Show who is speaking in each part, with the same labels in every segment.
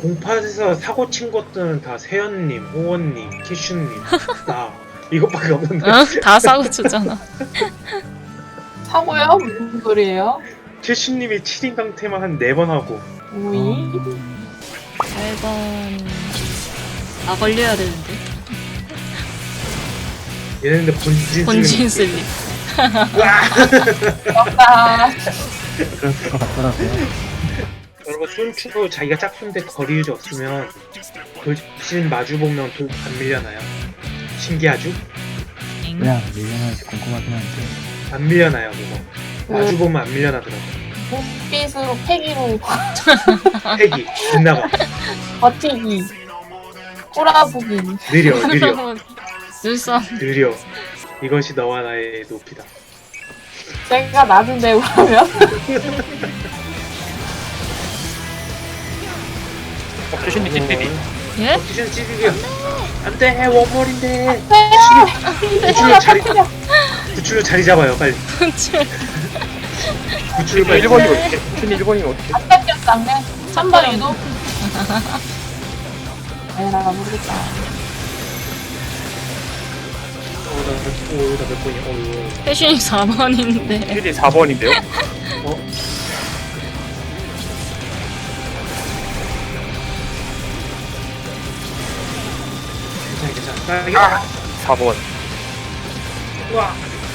Speaker 1: 공팟에서 사고 친 것들은 다 세연님, 호원님, 키슈님, 나 이것밖에 없는데.
Speaker 2: 응? 다 사고 주잖아.
Speaker 3: 사고요? 무슨 소리예요?
Speaker 1: 키슈님이 7인 강퇴만 한 4번 하고.
Speaker 3: 오이?
Speaker 2: 8번 나 걸려야 되는데.
Speaker 1: 얘네들
Speaker 2: 본진 슬립.
Speaker 3: 맞다.
Speaker 4: 그럴 것 같더라고요.
Speaker 1: 여러분 쫀추로 자기가 짝수인데 거리 유지 없으면 돌진 마주보면 안 밀려나요? 신기하죠?
Speaker 2: 엥?
Speaker 4: 왜 안 밀려나는지 궁금하긴 한데.
Speaker 1: 안 밀려나요 그거. 마주보면 안 밀려나더라고.
Speaker 3: 눈빛으로 패기로
Speaker 1: 패기 빗나가
Speaker 3: 버티기 꼬라보기.
Speaker 1: 느려
Speaker 2: 눈썹.
Speaker 1: 느려. 이것이 너와 나의 높이다.
Speaker 3: 제가 낮은데 그러면?
Speaker 5: 최신님 찌삐리.
Speaker 2: 예?
Speaker 1: 기준 찌르기야. 안돼 원몰인데.
Speaker 3: 네.
Speaker 1: 구출로 자리 잡아요 빨리. 구출로 빨리.
Speaker 5: 1번이 어떻게? 최신님 1번이면 어떻게?
Speaker 3: 안 뺏겼다. 3번 유도? 아니 나 모르겠다.
Speaker 1: 오나 몇 번이야?
Speaker 2: 패션이 4번인데.
Speaker 5: 최신님 4번인데요?
Speaker 1: 괜찮아.
Speaker 5: 4번.
Speaker 1: 와.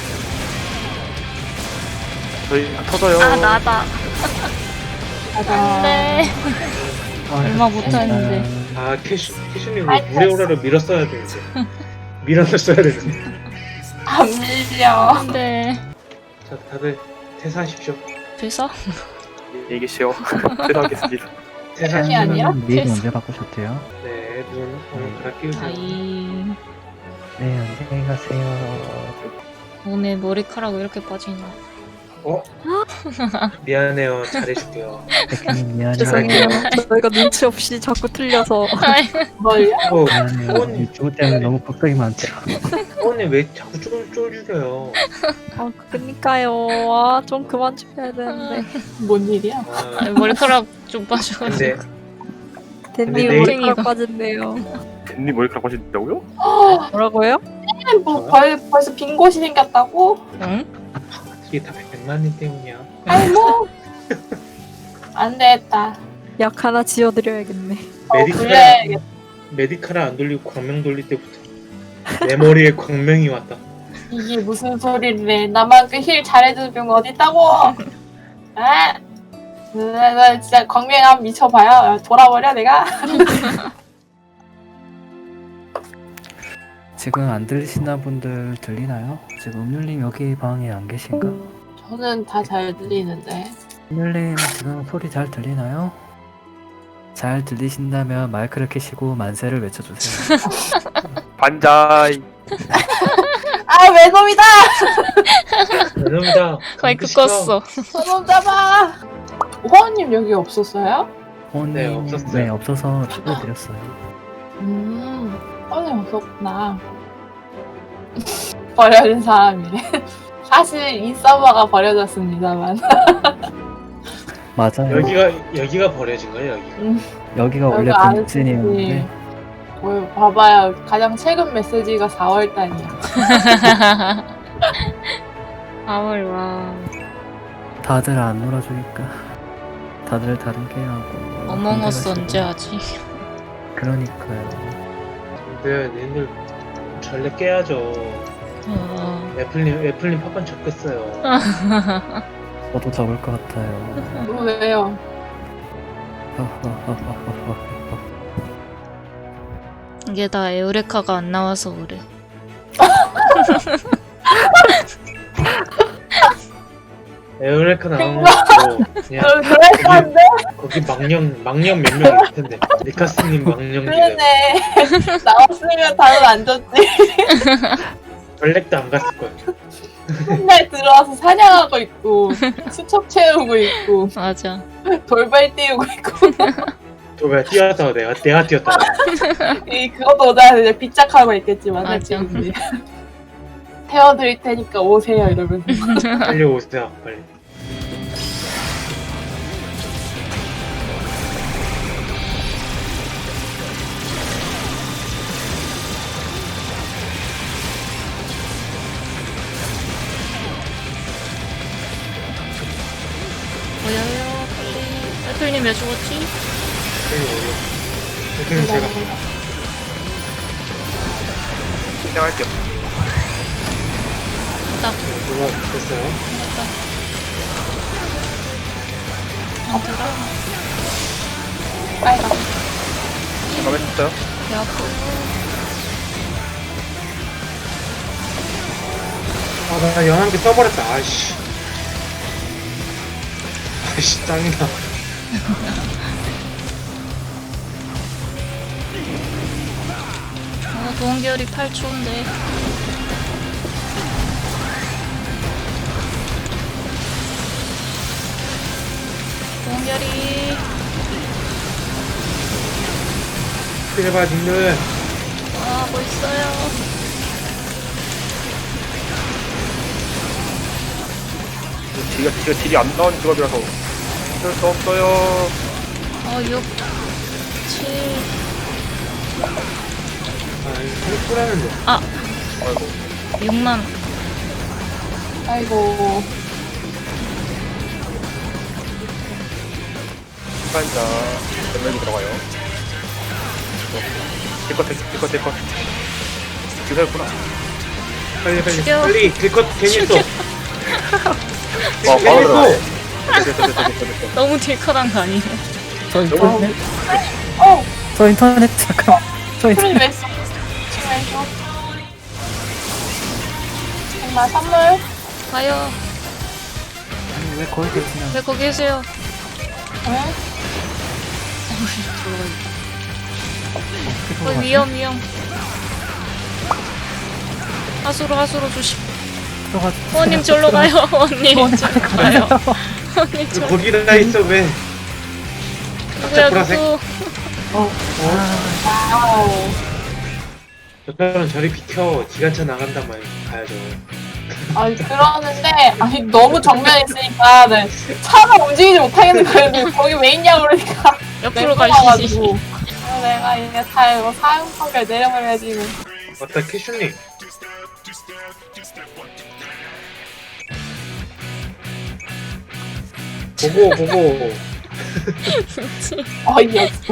Speaker 5: 저희 터져요.
Speaker 2: 아 나다.
Speaker 3: 가자.
Speaker 2: 안돼. 얼마 못하는데.
Speaker 1: 아 캐슈님 물에 오라를 밀었어야 되는데. 밀어놨어야 되는데.
Speaker 3: 안 밀려.
Speaker 2: 안돼.
Speaker 1: 자 다들 퇴사하십시오.
Speaker 2: 돼서?
Speaker 5: 안녕히 계시오. 퇴사하겠습니다.
Speaker 1: 퇴사하십시오.
Speaker 3: 아니야?
Speaker 4: 메이드 언제 바꾸셨대요?
Speaker 1: 네, 눈 오늘 갈아 끼우세요.
Speaker 2: 아이.
Speaker 4: 네, 안녕히 가세요.
Speaker 2: 몸에 머리카락 왜 이렇게 빠지냐.
Speaker 1: 어? 미안해요. 잘해줄게요.
Speaker 4: 백현님 미안해요.
Speaker 6: 죄송해요. 저희가 눈치 없이 자꾸 틀려서.
Speaker 3: 뭘요?
Speaker 4: 미안해요.
Speaker 1: 후원님,
Speaker 4: 유튜브 때문에 너무 걱정이 많죠.
Speaker 1: 후원님 왜 자꾸 쫄죽여요?
Speaker 6: 아, 그니까요. 아, 좀 그만 좀 해야 되는데.
Speaker 3: 뭔 일이야?
Speaker 1: 아,
Speaker 2: 머리카락 좀 빠져가지고.
Speaker 1: 근데
Speaker 6: 댄님
Speaker 1: 내일-
Speaker 6: 머리카락 빠진대요.
Speaker 5: 댄님 머리카락 하신다고요?
Speaker 6: 뭐라고요?
Speaker 3: 뭐 벌써 빈 곳이 생겼다고?
Speaker 2: 응?
Speaker 1: 이게 다 백만님 때문이야.
Speaker 3: 아이고. 안 되겠다.
Speaker 6: 약 하나 지어드려야겠네.
Speaker 3: 그래.
Speaker 1: 메디카를 안 돌리고 광명 돌릴 때부터 내 머리에 광명이 왔다.
Speaker 3: 이게 무슨 소리를 해. 나만 그 힐 잘해주는 병 어딨다고. 아. 나 진짜 광명함 미쳐봐요. 돌아버려 내가.
Speaker 4: 지금 안 들리시는 분들 들리나요? 지금 음률님 여기 방에 안 계신가?
Speaker 3: 저는 다 잘 들리는데.
Speaker 4: 음률님 지금 소리 잘 들리나요? 잘 들리신다면 마이크를 켜시고 만세를 외쳐주세요.
Speaker 5: 반자이.
Speaker 3: 아 외놈이다.
Speaker 1: 죄송합니다.
Speaker 2: 마이크 껐어.
Speaker 3: 저놈 잡아. 호원님 여기 없었어요?
Speaker 4: 호원님,
Speaker 1: 네, 없었어요.
Speaker 4: 네, 없어서 초대드렸어요.
Speaker 3: 호원님 없었구나. 버려진 사람이네. 사실 이 서버가 버려졌습니다만.
Speaker 4: 맞아요.
Speaker 1: 여기가 버려진 거예요 여기가.
Speaker 4: 여기가 원래
Speaker 3: 여기 안
Speaker 4: 본진이었는데
Speaker 3: 봐봐요. 가장 최근 메시지가 4월달이야.
Speaker 2: 4월 와.
Speaker 4: 다들 안 놀아주니까 다들 다른 게임하고
Speaker 2: 어몽어스
Speaker 4: 힘들어지고.
Speaker 2: 언제 하지?
Speaker 4: 그러니까요.
Speaker 1: 네, 니들 전래 깨야죠. 애플님 팝판 적겠어요.
Speaker 4: 저도 적을 것 같아요.
Speaker 3: 왜요?
Speaker 2: 이게 다 에우레카가 안 나와서 그래.
Speaker 1: 에어레카 나오면 그냥
Speaker 3: 그랬었는데?
Speaker 1: 거기 망령 몇 명 있을 텐데. 니카스님 망령 중에
Speaker 3: 그러네. 나왔으면 다들 안 줬지.
Speaker 1: 전렉도 안 갔을 거예요.
Speaker 3: 맨날 들어와서 사냥하고 있고, 수첩 채우고 있고,
Speaker 2: 맞아.
Speaker 3: 돌발 띄우고 있고.
Speaker 1: 왜 뛰었다고 내가 뛰었다고.
Speaker 3: 그것도 오자마자 이제 빗짝하고 있겠지만.
Speaker 2: 맞아.
Speaker 3: 솔직히. 태워드릴 테니까 오세요 이러면서.
Speaker 1: 빨리 오세요 빨리.
Speaker 2: 왜 죽었지?
Speaker 1: 그냥 제가
Speaker 5: 시작할게요.
Speaker 2: 딱
Speaker 1: 누가 됐어요?
Speaker 3: 빨강.
Speaker 5: 마음에 쳤어요?
Speaker 2: 배 아프고.
Speaker 1: 나 연한개 써버렸다. 아이씨. 아이씨, 짱이다.
Speaker 2: 도원결이 8초인데. 도원결이.
Speaker 1: 제발, 님들.
Speaker 2: 아, 뭐 있어요.
Speaker 5: 제가 딜이 안 나온 직업이라서 어쩔 수 없어요.
Speaker 2: 6, 7.
Speaker 1: 이거 쿨하는데.
Speaker 5: 아이고.
Speaker 2: 6만.
Speaker 3: 아이고.
Speaker 5: 시간자 전멸이 들어가요. 딜컷. 주사였구나.
Speaker 1: 빨리.
Speaker 2: 죽여.
Speaker 1: 빨리, 딜컷 괜히 했어.
Speaker 5: 바로
Speaker 1: 괜히
Speaker 5: 들어가요.
Speaker 1: 했어.
Speaker 5: 됐어.
Speaker 2: 너무 딜컷한 거 아니에요?
Speaker 4: 저 인터넷
Speaker 3: 어!
Speaker 4: 저 인터넷 잠깐 저 인터넷
Speaker 3: 프린 왜 써? 지금 해줘. 정말 선물.
Speaker 2: 가요.
Speaker 4: 아니 왜 거기 계시나
Speaker 2: 왜 거기 계세요?
Speaker 3: 응?
Speaker 2: 위험. 하수로 조심.
Speaker 4: 들어가
Speaker 2: 후원님 절로 가요. 후원님 절로 가요. 후원님 절로.
Speaker 1: 거기다 있어, 왜?
Speaker 2: 누구야
Speaker 1: 보라색.
Speaker 2: 누구?
Speaker 3: 와우.
Speaker 1: 저처럼 저리 비켜. 기관차 나간단 말이야. 가야죠.
Speaker 3: 아니, 그러는데, 아니, 너무 정면에 있으니까, 네. 차가 움직이지 못하겠는 거예요. 거기 왜 있냐고 그러니까.
Speaker 2: 옆으로 가시지.
Speaker 3: 그래서 내가 이게 다 이거 사용 판결 내려버려야지. 이거.
Speaker 1: 맞다, 캐슈님. 보고.
Speaker 3: 어이없어.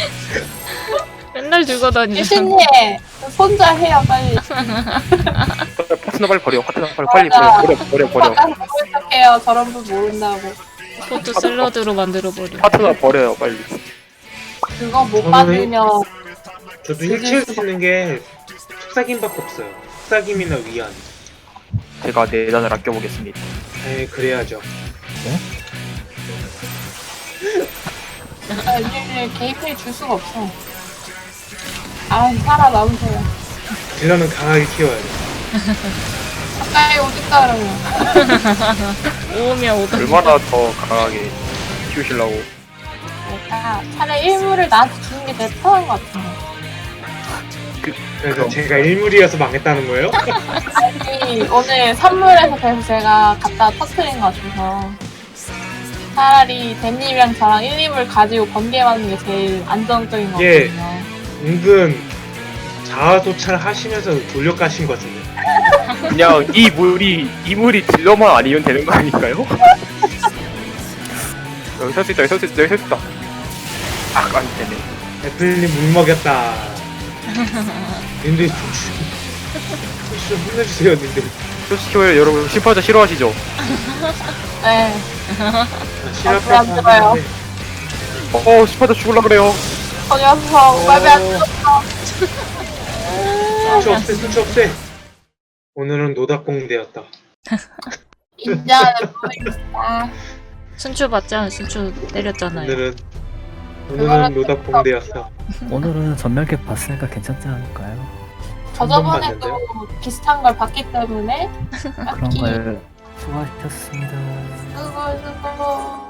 Speaker 2: 맨날 들고 다니는.
Speaker 3: 유신님, 손자 해요, 빨리.
Speaker 5: 파트너 빨리 버려. 빨리 버려.
Speaker 3: 바꿔서 부탁해요. 저런 분 모른다고.
Speaker 2: 포트 샐러드로 만들어 버려.
Speaker 5: 파트너 버려요, 빨리.
Speaker 3: 그거 못
Speaker 1: 저는
Speaker 3: 받으면,
Speaker 1: 저도 힐치울 수 있는 게 속삭임밖에 없어요. 속삭임이나 위안.
Speaker 5: 제가 내단을 아껴보겠습니다.
Speaker 1: 그래야죠.
Speaker 3: 아니, 개입해 줄 수가 없어. 아, 살아남으세요.
Speaker 1: 딜러는 강하게 키워야 돼.
Speaker 3: 가까이 오든가 그러면.
Speaker 2: 오면 오던.
Speaker 5: 얼마나 더 강하게 키우시려고.
Speaker 3: 내가 차라리 일물을 나한테 주는 게 내 편한 것 같은데.
Speaker 1: 그래서
Speaker 5: 그럼.
Speaker 1: 제가 일물이어서 망했다는 거예요?
Speaker 3: 아니, 오늘 선물에서 그래서 제가 갖다 터트린 것 같아서. 차라리 댄님이랑 저랑 1, 2물 가지고 번개하는 게 제일 안정적인 것
Speaker 1: 예.
Speaker 3: 같거든요.
Speaker 1: 은근 자아도착 하시면서 돌려 까신 것 같은데.
Speaker 5: 그냥 이 물이 딜러만 아니면 되는 거 아닐까요? 여기 설 수 있다. 안 되네.
Speaker 1: 애플님 물 먹였다. 님들 좀 혼내주세요, 님들.
Speaker 5: 솔직히 여러분 심파자 싫어하시죠?
Speaker 3: 네.
Speaker 1: 실업
Speaker 3: 안 들어요.
Speaker 5: 심파자 죽을라 그래요.
Speaker 3: 저 녀석, 맘에 안 들어.
Speaker 1: 수치 없애. 오늘은 노닥공대였다.
Speaker 3: 인자는 모르겠다.
Speaker 2: 순추 받자. 순추 때렸잖아요.
Speaker 1: 오늘은 노닥공대였어.
Speaker 4: 오늘은 전멸캡 봤으니까 괜찮지 않을까요?
Speaker 3: 저 저번에도 비슷한 걸 봤기 때문에
Speaker 4: 그런 걸 수고하셨습니다.
Speaker 3: 수고.